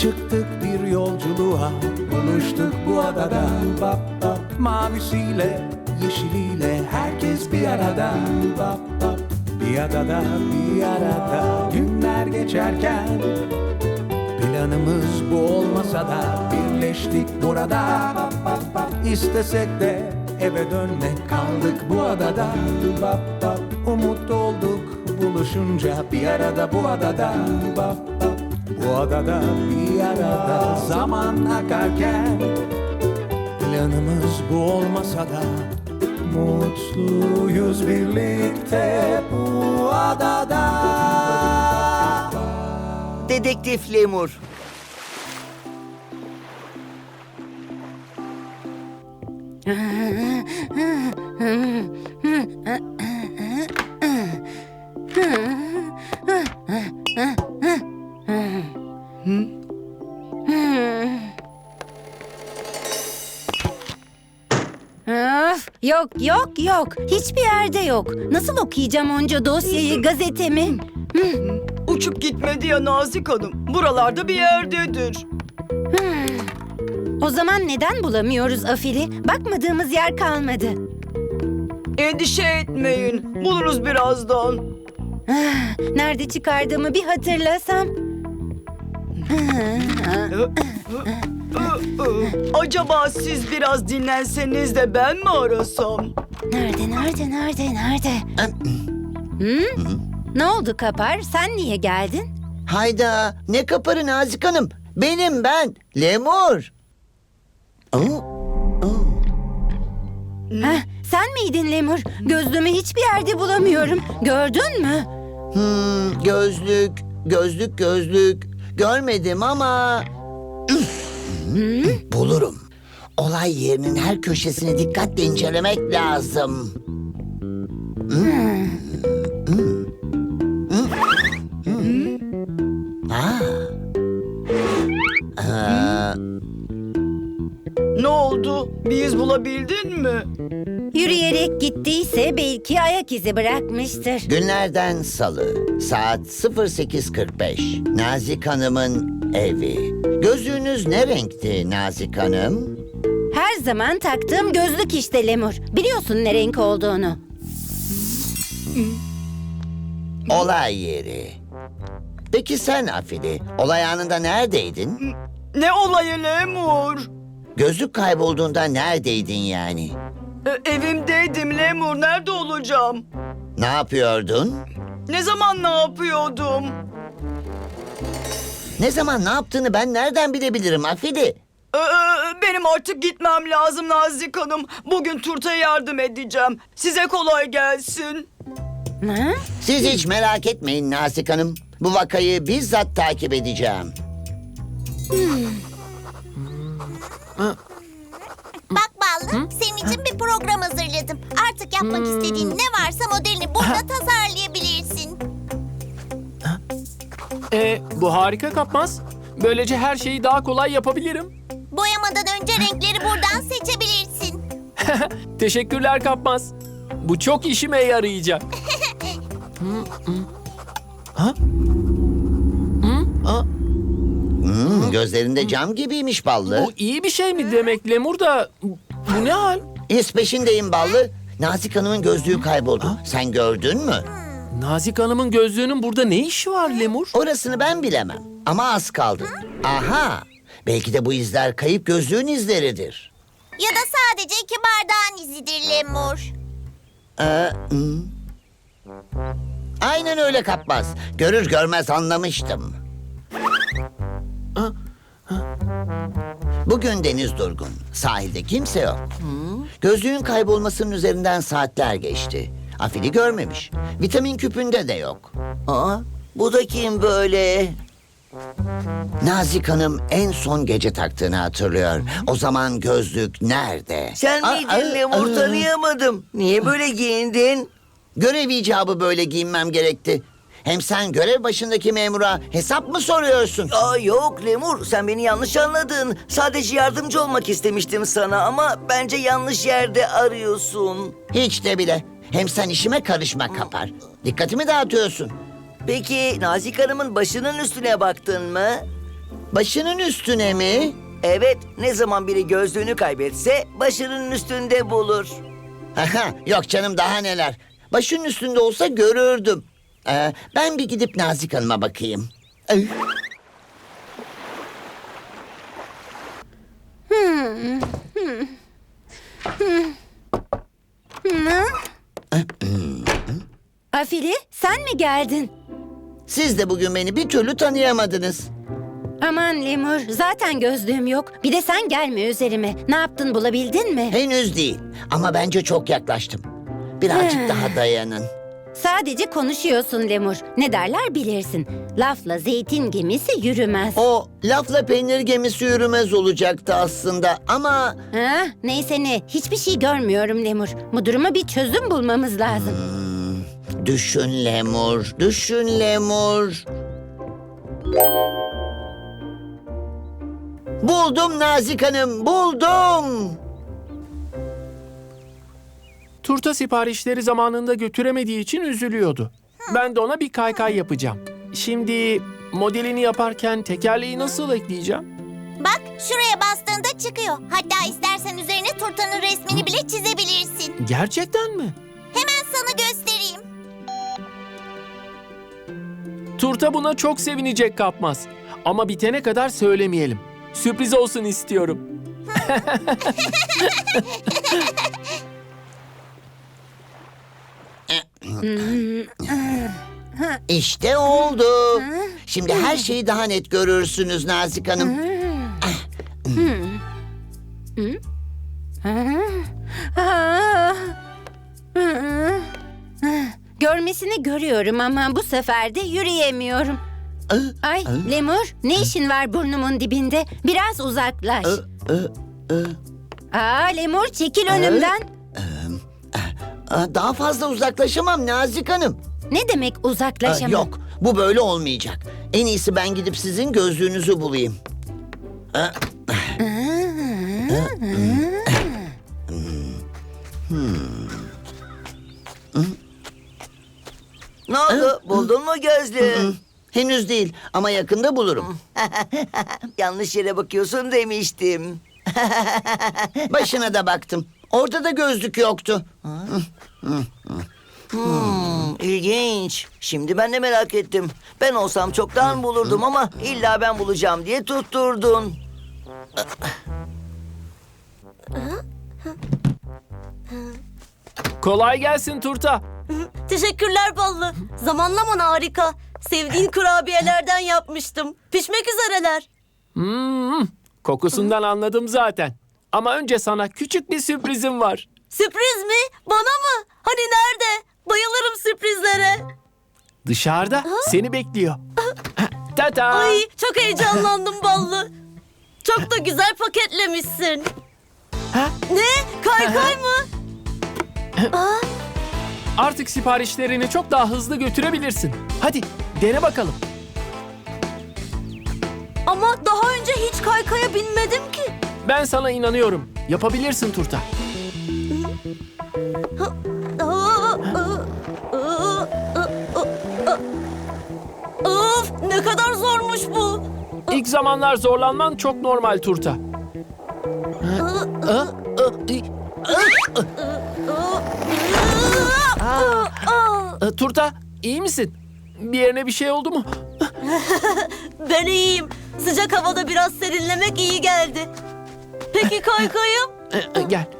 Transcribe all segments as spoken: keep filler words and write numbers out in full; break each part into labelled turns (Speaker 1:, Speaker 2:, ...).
Speaker 1: Çıktık bir yolculuğa, buluştuk bu adada. Bap bap, mavisiyle, yeşiliyle herkes bir arada. Bap bap, bir adada, bir arada. Günler geçerken planımız bu olmasa da birleştik burada. Bap bap bap, istesek de eve dönmek, kaldık bu adada. Bap bap, umut olduk buluşunca bir arada bu adada. Bap bap, bu adada bir arada. Zaman akarken planımız bu olmasa da mutluyuz birlikte bu adada.
Speaker 2: Dedektif Lemur.
Speaker 3: Öf, yok yok yok. Hiçbir yerde yok. Nasıl okuyacağım onca dosyayı, gazetemi?
Speaker 4: Uçup gitmedi ya Nazik Hanım. Buralarda bir yerdedir.
Speaker 3: O zaman neden bulamıyoruz Afili? Bakmadığımız yer kalmadı.
Speaker 4: Endişe etmeyin. Buluruz birazdan.
Speaker 3: Ah, nerede çıkardığımı bir hatırlasam.
Speaker 4: Acaba siz biraz dinlenseniz de ben mi arasam?
Speaker 3: Nerede, nerede, nerede, nerede? Hı? Ne oldu Kapar? Sen niye geldin?
Speaker 2: Hayda, ne kaparı Nazik Hanım? Benim ben, Lemur. Oo, oo.
Speaker 3: Heh, sen miydin Lemur? Gözlüğümü hiçbir yerde bulamıyorum. Gördün mü?
Speaker 2: Hmm, gözlük, gözlük, gözlük. Görmedim ama... Bulurum. Olay yerinin her köşesini dikkatle incelemek lazım. Hmm. Hmm. Hmm. Aa. Aa.
Speaker 4: Ne oldu? Bir iz bulabildin mi?
Speaker 3: Yürüyerek gittiyse belki ayak izi bırakmıştır.
Speaker 2: Günlerden salı, saat sıfır sekiz kırk beş. Nazik Hanım'ın evi. Gözlüğünüz ne renkti Nazik Hanım?
Speaker 3: Her zaman taktığım gözlük işte Lemur. Biliyorsun ne renk olduğunu.
Speaker 2: Olay yeri. Peki sen Afili, olay anında neredeydin?
Speaker 4: Ne olayı Lemur?
Speaker 2: Gözlük kaybolduğunda neredeydin yani?
Speaker 4: E, evimdeydim Lemur. Nerede olacağım?
Speaker 2: Ne yapıyordun?
Speaker 4: Ne zaman ne yapıyordum?
Speaker 2: Ne zaman ne yaptığını ben nereden bilebilirim Afili?
Speaker 4: Ee, benim artık gitmem lazım Nazik Hanım. Bugün Turta'ya yardım edeceğim. Size kolay gelsin.
Speaker 3: Ha?
Speaker 2: Siz hiç merak etmeyin Nazik Hanım. Bu vakayı bizzat takip edeceğim.
Speaker 5: Bak Ballı, senin için bir program hazırladım. Artık yapmak istediğin ne varsa modelini burada tasarlayabilirsin.
Speaker 6: Ee, bu harika Kapmaz. Böylece her şeyi daha kolay yapabilirim.
Speaker 5: Boyamadan önce renkleri buradan seçebilirsin.
Speaker 6: Teşekkürler Kapmaz. Bu çok işime yarayacak.
Speaker 2: Hmm, gözlerinde cam gibiymiş Ballı.
Speaker 6: Bu iyi bir şey mi demek Lemur da? Bu ne hal?
Speaker 2: İz peşindeyim Ballı. Nazik Hanım'ın gözlüğü kayboldu. Sen gördün mü?
Speaker 6: Nazik Hanım'ın gözlüğünün burada ne işi var Lemur?
Speaker 2: Orasını ben bilemem. Ama az kaldı. Aha! Belki de bu izler kayıp gözlüğün izleridir.
Speaker 5: Ya da sadece iki bardağın izidir Lemur.
Speaker 2: Ee, hmm. Aynen öyle Kapmaz. Görür görmez anlamıştım. Bugün deniz durgun. Sahilde kimse yok. Gözlüğün kaybolmasının üzerinden saatler geçti. Afili görmemiş. Vitamin küpünde de yok. Aa, bu da kim böyle? Nazik Hanım en son gece taktığını hatırlıyor. O zaman gözlük nerede?
Speaker 7: Sen
Speaker 2: Aa,
Speaker 7: miydin
Speaker 2: aa,
Speaker 7: Lemur?
Speaker 2: aa.
Speaker 7: Tanıyamadım. Niye böyle giyindin?
Speaker 2: Görev icabı böyle giyinmem gerekti. Hem sen görev başındaki memura hesap mı soruyorsun?
Speaker 7: Aa, yok Lemur, sen beni yanlış anladın. Sadece yardımcı olmak istemiştim sana ama bence yanlış yerde arıyorsun.
Speaker 2: Hiç de bile. Hem sen işime karışma Kapar. Dikkatimi dağıtıyorsun.
Speaker 7: Peki Nazik Hanım'ın başının üstüne baktın mı?
Speaker 2: Başının üstüne mi?
Speaker 7: Evet, ne zaman biri gözlüğünü kaybetse başının üstünde bulur.
Speaker 2: Aha, yok canım daha neler. Başının üstünde olsa görürdüm. Ee, ben bir gidip Nazik Hanım'a bakayım. Ay.
Speaker 3: Afili, sen mi geldin?
Speaker 2: Siz de bugün beni bir türlü tanıyamadınız.
Speaker 3: Aman Lemur, zaten gözlüğüm yok. Bir de sen gelme üzerime. Ne yaptın, bulabildin mi?
Speaker 2: Henüz değil ama bence çok yaklaştım. Birazcık daha dayanın.
Speaker 3: Sadece konuşuyorsun Lemur. Ne derler bilirsin. Lafla zeytin gemisi yürümez.
Speaker 2: O lafla peynir gemisi yürümez olacaktı aslında ama...
Speaker 3: Ha, neyse ne, hiçbir şey görmüyorum Lemur. Bu duruma bir çözüm bulmamız lazım.
Speaker 2: Düşün Lemur, düşün Lemur. Buldum Nazik Hanım, buldum.
Speaker 6: Turta siparişleri zamanında götüremediği için üzülüyordu. Ben de ona bir kaykay yapacağım. Şimdi modelini yaparken tekerleği nasıl ekleyeceğim?
Speaker 5: Bak şuraya bastığında çıkıyor. Hatta istersen üzerine turtanın resmini bile çizebilirsin.
Speaker 6: Gerçekten mi?
Speaker 5: Hemen sana göstereyim.
Speaker 6: Turta buna çok sevinecek Kapmaz. Ama bitene kadar söylemeyelim. Sürpriz olsun istiyorum.
Speaker 2: İşte oldu. Şimdi her şeyi daha net görürsünüz Nazik Hanım.
Speaker 3: Ah. Görmesini görüyorum ama bu sefer de yürüyemiyorum. Ay Lemur, ne işin var burnumun dibinde? Biraz uzaklaş. Aa Lemur, çekil önümden.
Speaker 2: Aa, Daha fazla uzaklaşamam Nazik Hanım.
Speaker 3: Ne demek
Speaker 2: Aa,
Speaker 3: uzaklaşamam?
Speaker 2: Yok, bu böyle olmayacak. En iyisi ben gidip sizin gözlüğünüzü bulayım. Aa,
Speaker 7: Ne oldu? Buldun mu gözlüğü?
Speaker 2: Henüz değil ama yakında bulurum.
Speaker 7: Yanlış yere bakıyorsun demiştim.
Speaker 2: Başına da baktım. Orada da gözlük yoktu.
Speaker 7: Hmm, ilginç. Şimdi ben de merak ettim. Ben olsam çoktan bulurdum ama illa ben bulacağım diye tutturdun.
Speaker 6: Kolay gelsin Turta.
Speaker 8: Teşekkürler Ballı. Zamanlaman harika. Sevdiğin kurabiyelerden yapmıştım. Pişmek üzereler.
Speaker 6: Hmm, kokusundan anladım zaten. Ama önce sana küçük bir sürprizim var.
Speaker 8: Sürpriz mi? Bana mı? Hani nerede? Bayılırım sürprizlere.
Speaker 6: Dışarıda seni bekliyor. Tata.
Speaker 8: Ay çok heyecanlandım Ballı. Çok da güzel paketlemişsin.
Speaker 6: Ha?
Speaker 8: Ne? Kaykay mı?
Speaker 6: Artık siparişlerini çok daha hızlı götürebilirsin. Hadi dene bakalım.
Speaker 8: Ama daha önce hiç kaykaya binmedim ki.
Speaker 6: Ben sana inanıyorum. Yapabilirsin Turta.
Speaker 8: Of ne kadar zormuş bu.
Speaker 6: İlk zamanlar zorlanman çok normal Turta. Ee, Turta, iyi misin? Bir yerine bir şey oldu mu?
Speaker 8: Ben iyiyim. Sıcak havada biraz serinlemek iyi geldi. Peki kaykayım?
Speaker 6: Ee, e, Gel.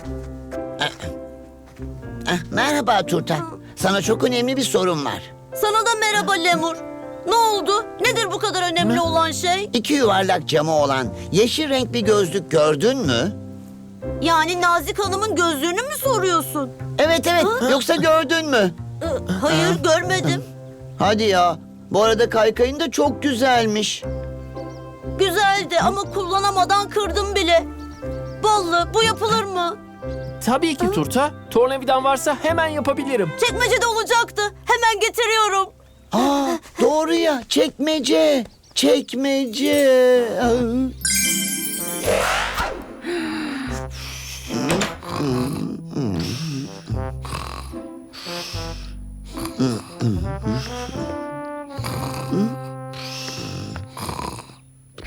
Speaker 2: Ah, merhaba Turta. Sana çok önemli bir sorum var.
Speaker 8: Sana da merhaba Lemur. Ne oldu? Nedir bu kadar önemli olan şey?
Speaker 2: İki yuvarlak camı olan yeşil renk bir gözlük gördün mü?
Speaker 8: Yani Nazik Hanım'ın gözlüğünü mü soruyorsun?
Speaker 2: Evet evet. Yoksa gördün mü?
Speaker 8: Ee, Hayır görmedim.
Speaker 2: Hadi ya. Bu arada kaykayın da çok güzelmiş.
Speaker 8: Güzeldi ama kullanamadan kırdım bile. Ballı bu yapılır mı?
Speaker 6: Tabii ki Turta. Tornavidan varsa hemen yapabilirim.
Speaker 8: Çekmecede olacaktı. Hemen getiriyorum.
Speaker 2: Aa, doğru ya. Çekmece. Çekmece. Ah.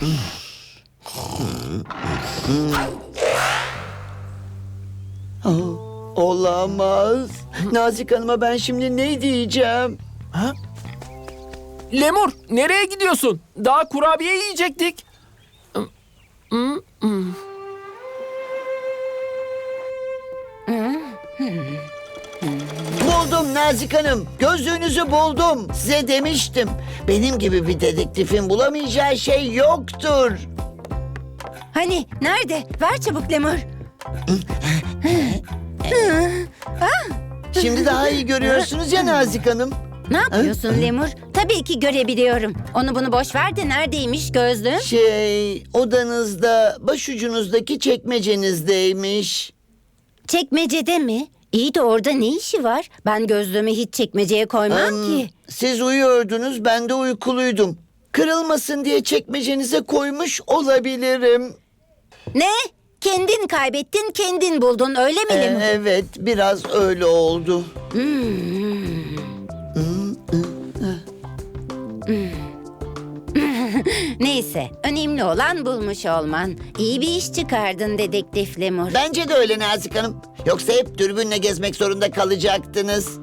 Speaker 7: Olamaz. Nazik Hanım'a ben şimdi ne diyeceğim?
Speaker 6: Lemur, nereye gidiyorsun? Daha kurabiye yiyecektik.
Speaker 2: Buldum Nazik Hanım. Gözlüğünüzü buldum. Size demiştim. Benim gibi bir dedektifin bulamayacağı şey yoktur.
Speaker 3: Hani nerede? Ver çabuk Lemur.
Speaker 2: Şimdi daha iyi görüyorsunuz ya Nazik Hanım.
Speaker 3: Ne yapıyorsun Lemur? Tabii ki görebiliyorum. Onu bunu boş ver de neredeymiş gözlüğüm?
Speaker 2: Şey, odanızda, başucunuzdaki çekmecenizdeymiş.
Speaker 3: Çekmecede mi? İyi de orada ne işi var? Ben gözlüğümü hiç çekmeceye koymam
Speaker 2: Hmm,
Speaker 3: ki.
Speaker 2: Siz uyuyordunuz, ben de uykuluydum. Kırılmasın diye çekmecenize koymuş olabilirim.
Speaker 3: Ne? Kendin kaybettin, kendin buldun öyle mi
Speaker 2: Ee,
Speaker 3: Lemur?
Speaker 2: evet, biraz öyle oldu.
Speaker 3: Neyse, önemli olan bulmuş olman. İyi bir iş çıkardın dedektif Lemur.
Speaker 2: Bence de öyle Nazik Hanım. Yoksa hep dürbünle gezmek zorunda kalacaktınız.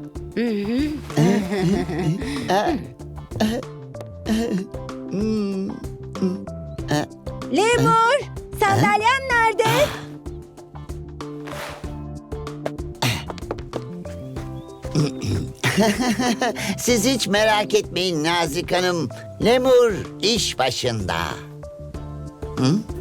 Speaker 3: Lemur, sandalyem nerede?
Speaker 2: Siz hiç merak etmeyin Nazik Hanım. Lemur iş başında. Hı?